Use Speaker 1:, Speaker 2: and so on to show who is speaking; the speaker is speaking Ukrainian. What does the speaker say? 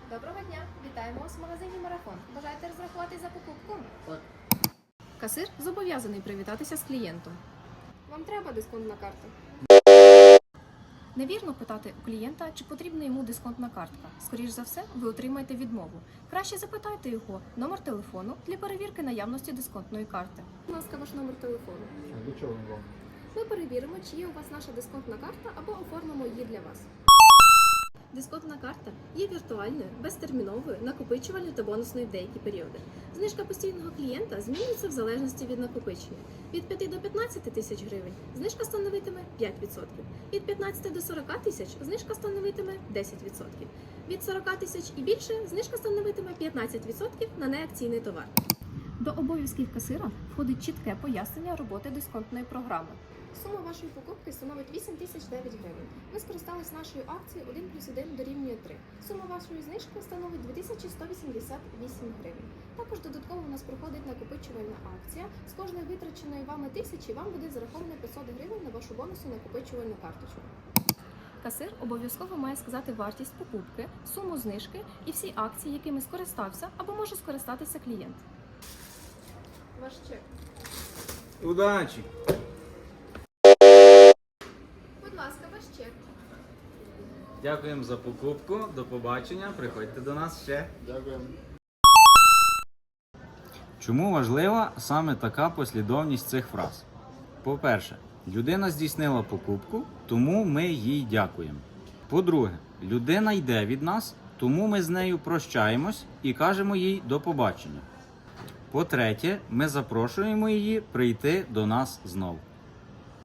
Speaker 1: Доброго дня! Вітаємо вас в магазині Марафон. Бажаєте розрахуватись за покупку?
Speaker 2: Так.
Speaker 1: Касир зобов'язаний привітатися з клієнтом. Вам треба дисконтна карта? Невірно питати у клієнта, чи потрібна йому дисконтна картка. Скоріш за все, ви отримаєте відмову. Краще запитайте його номер телефону для перевірки наявності дисконтної карти. Будь ласка, ваш номер телефону.
Speaker 2: А до чого він вам?
Speaker 1: Ми перевіримо, чи є у вас наша дисконтна карта, або оформимо її для вас. Дисконтна карта є віртуальною, безтерміновою, накопичувальною та бонусною в деякі періоди. Знижка постійного клієнта змінюється в залежності від накопичення. Від 5 до 15 тисяч гривень знижка становитиме 5%. Від 15 до 40 тисяч знижка становитиме 10%. Від 40 тисяч і більше знижка становитиме 15% на неакційний товар. До обов'язків касира входить чітке пояснення роботи дисконтної програми. Сума вашої покупки становить 8009 гривень. Ви скористались нашою акцією 1+1 дорівнює 3. Сума вашої знижки становить 2188 гривень. Також додатково у нас проходить накопичувальна акція. З кожної витраченої вами тисячі вам буде зараховано 500 гривень на вашу бонусну накопичувальну карточку. Касир обов'язково має сказати вартість покупки, суму знижки і всі акції, якими скористався або може скористатися клієнт. Ваш чек.
Speaker 2: Удачі!
Speaker 1: Будь ласка, ваш чек.
Speaker 3: Дякуємо за покупку. До побачення. Приходьте до нас ще.
Speaker 2: Дякую.
Speaker 3: Чому важлива саме така послідовність цих фраз? По-перше, людина здійснила покупку, тому ми їй дякуємо. По-друге, людина йде від нас, тому ми з нею прощаємось і кажемо їй до побачення. По-третє, ми запрошуємо її прийти до нас знову.